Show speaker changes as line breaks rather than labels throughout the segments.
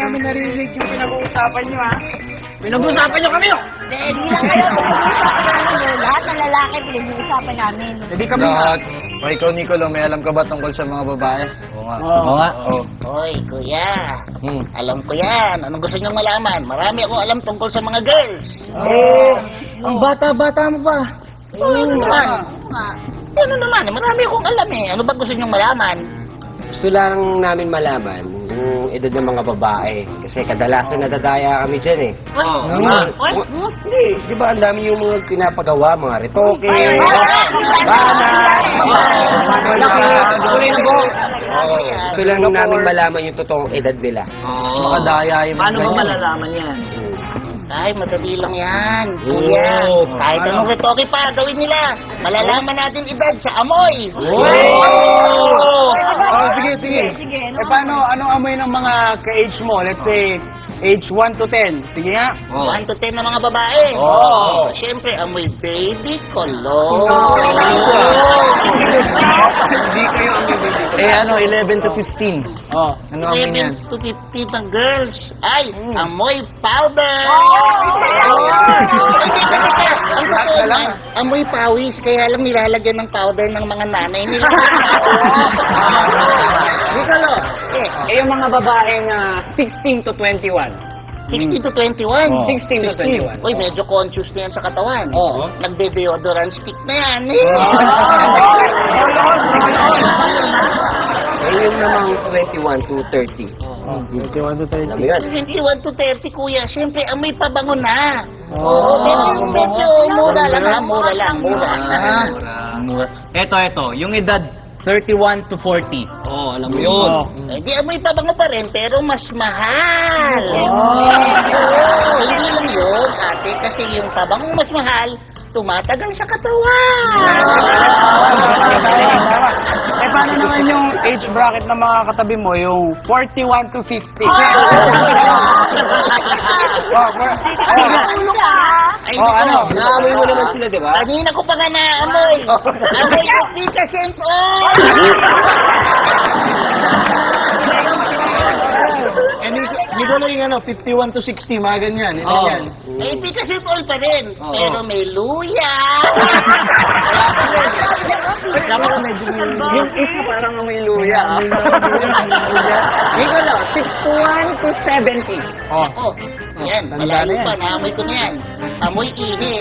namin narinig yung pinag-uusapan nyo, ha?
Pinag-uusapan niyo kami, oh!
Hindi lang kayo. Pinag-uusapan namin. Lahat ng lalaki, pinag-uusapan namin.
Hindi kami
Lahat. O ikaw, Nicolo, may alam ka ba tungkol sa mga babae? Oo nga.
Oo
nga.
Oo.
Hoy, kuya.
Hmm.
Alam ko yan. Anong gusto niyong malaman? Marami akong alam tungkol sa mga girls.
Ang bata-bata mo pa.
Ano naman? Ano naman? Marami akong alam eh. Ano ba gusto niyong malaman?
Gusto lang namin malaman yung edad ng mga babae. Kasi kadalasan nadadaya kami dyan eh. Hindi, di ba ang dami yung mga pinapagawa, mga retoke, Gusto lang namin malaman yung totoong edad nila.
Mas makadaya yung
Paano mo
ganyan.
malalaman yan?
Ay, madali lang yan. Kuya, kahit anong retoke pa, gawin nila. Malalaman natin edad sa amoy.
Oh, sige. Eh, paano, anong amoy ng mga ka-age mo? Let's say, age 1 to 10. Sige nga.
1 to 10 na mga babae.
Oo.
Siyempre, amoy baby cologne.
Hindi kayo ang baby.
Eh ano, 11 to 15.
Oh.
Ano ang yan?
11 to 15 ng girls. Ay, amoy powder. Teka. Ang totoo man, amoy pawis. Kaya lang nilalagyan ng powder ng mga nanay nila.
Nicolo,
Eh,
yung mga babaeng 16 to 21.
16 to 21.
16 to 21.
Uy, medyo conscious na yan sa katawan.
Oo.
Nagde-deodorant stick na yan.
Eh, yung namang 21 to 30.
21 to 30.
Alam mo yan?
21 to 30, kuya. Siyempre, amoy pabango na. Oo, medyo mura lang ha. Mura lang.
Ito. Yung edad 31 to 40. Oh, alam mo yun.
Hindi amoy pabango pa rin, pero mas mahal. Hindi lang yun, ate, kasi yung pabangong mas mahal, tumatagal sa katawan.
Eh, paano naman yung age bracket ng mga katabi mo? Yung 41 to 50. Ano?
Naamoy mo naman sila, di ba?
Kanina ko pa nga naamoy. Amoy yung Picasso.
Eh, Nicolo yung ano, 51 to 60, mga ganyan. Ilan yan?
May Picasso all pa rin, pero may luya.
Yung isa parang may luya. Nicolo, 61 to 70.
Oh, yan, malayo pa, naamoy ko na yan. Amoy init.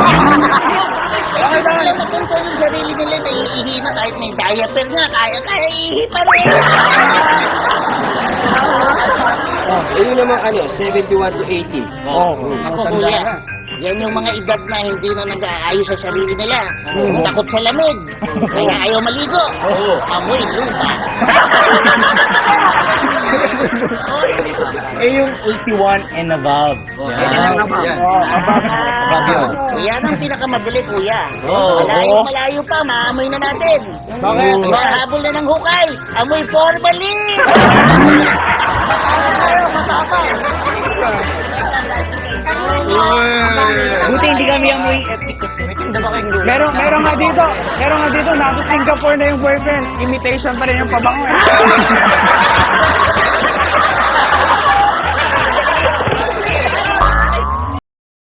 Bakit lang makontrol yung sarili nila na iihi na kahit may diaper nga, kaya iihi pa rin.
Eh, yun namang 71 to 80.
Ako kuya, yan yung mga edad na hindi na nag-aayos sa sarili nila. Takot sa lamig, kaya ayaw maligo. Amoy lupa.
Eh, yung 81 and above.
Yan ang pinakamadali, kuya.
Oo.
Malayo pa, maamoy na natin.
Bakit?
Mahabol na ng hukay, amoy formalin.
Buti hindi kami amoy epic kasi.
Meron nga dito, nasa Singapore na yung boyfriend. Imitation pa rin yung pabango eh.